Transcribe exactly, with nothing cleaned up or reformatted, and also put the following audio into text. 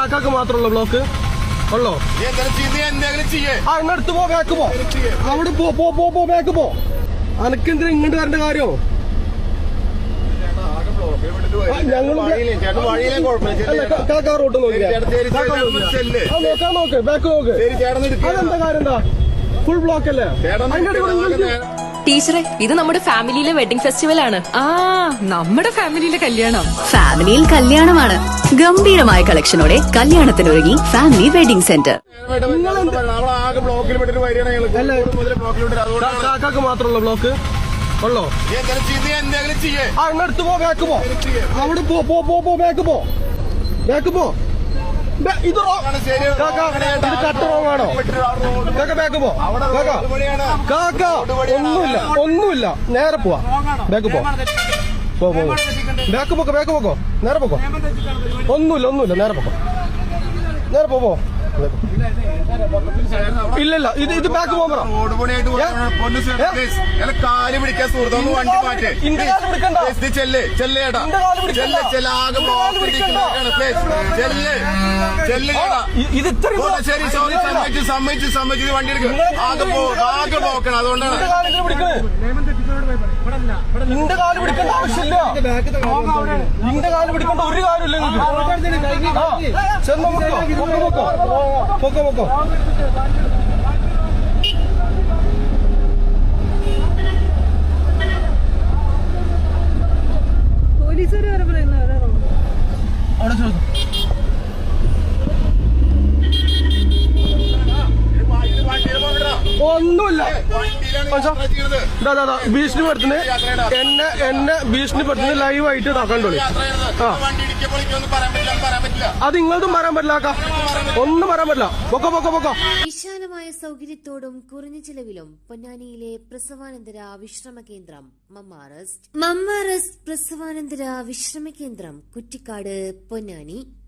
കാക്കാക്ക് മാത്രമുള്ള ബ്ലോക്ക് ഉള്ളോ? ആ ഇങ്ങടുത്ത് പോ, ബാക്ക് പോ, അവിടെ പോ പോ പോ പോ ബാക്ക് പോ. അനക്കെന്തിനാ ഇങ്ങോട്ട് വരേണ്ട കാര്യം? കാക്കാ റോട്ട് നോക്കാം, നോക്ക് ബാക്ക് നോക്ക്. അതെന്താ കാര്യം? എന്താ ഫുൾ ബ്ലോക്ക് അല്ലേ? ടീച്ചറെ, ഇത് നമ്മുടെ ഫാമിലിയിലെ വെഡിങ് ഫെസ്റ്റിവൽ ആണ്. ആ നമ്മുടെ ഫാമിലിയിലെ കല്യാണം. ഫാമിലിയിൽ കല്യാണമാണ്. ഗംഭീരമായ കളക്ഷനോടെ കല്യാണത്തിനൊരുങ്ങി ഫാമിലി വെഡിംഗ് സെന്റർ. കാക്കാക്ക് മാത്രമുള്ള ബ്ലോക്ക് ഉള്ളോ? ആ ഇങ്ങടുത്ത് പോ, ബാക്ക് പോ, അവിടെ പോ പോ പോ പോ ബാക്ക് പോ, ബാക്ക് പോ. ഇത് കട്ട് റോങ് ആണോ? കാക്ക ബാക്ക് പോ, കാക്ക ഒന്നുമില്ല, ഒന്നുമില്ല, നേരെ പോവാ, ബാക്ക് പോ പോ പോ ബാക്ക് പോക്കോ, ബാക്ക് പോക്കോ, നേരെ പോക്കോ. ഒന്നുമില്ല, ഒന്നുമില്ല, നേരെ പോക്കോ, നേരെ പോ പോ. ഇല്ലല്ല, ഇത് ഇത് ബാക്ക് പോകാൻ കാല് പിടിക്കാൻ സുഹൃത്തൊന്ന് വണ്ടി മാറ്റേ ചെല്ല് ചെല്ലേടാ ചെല്ല് ചെല്ല ആകെ ചെല്ല് ചെല്ല് ഇത് ശരി സോറി സമ്മതിച്ച് സമ്മതിച്ച് സമ്മതിച്ച് വണ്ടി എടുക്കും. ആകെ പോ ആകെ പോക്കണം. അതുകൊണ്ടാണ് നിന്റെ കാല് പിടിക്കേണ്ട ആവശ്യമില്ല, നിന്റെ കാല് പിടിക്കേണ്ട ഒരു കാര്യമില്ല. ചെന്നോ പൊക്കോ പൊക്കോ പൊക്കോ. പോലീസുകാർ വരെ പറയുന്നു അവിടെ ചോദിക്കും. ഒന്നുമില്ല, ഭീഷണിപ്പെടുത്തുന്നത് എന്നെ എന്നെ ഭീഷണിപ്പെടുത്തുന്നത് ലൈവായിട്ട് ഇതാക്കണ്ടോളി. ആ അത് നിങ്ങളതും പറയാൻ പറ്റില്ല, ഒന്നും പറയാൻ പറ്റില്ല. പൊക്കോ പൊക്കോ പൊക്കോ. വിശാലമായ സൗകര്യത്തോടും കുറഞ്ഞ ചിലവിലും പൊന്നാനിയിലെ പ്രസവാനന്തര വിശ്രമ കേന്ദ്രം മമ്മാറസ്റ്റ്. മമ്മാറസ്റ്റ് പ്രസവാനന്തര വിശ്രമ കേന്ദ്രം കുറ്റിക്കാട്, പൊന്നാനി.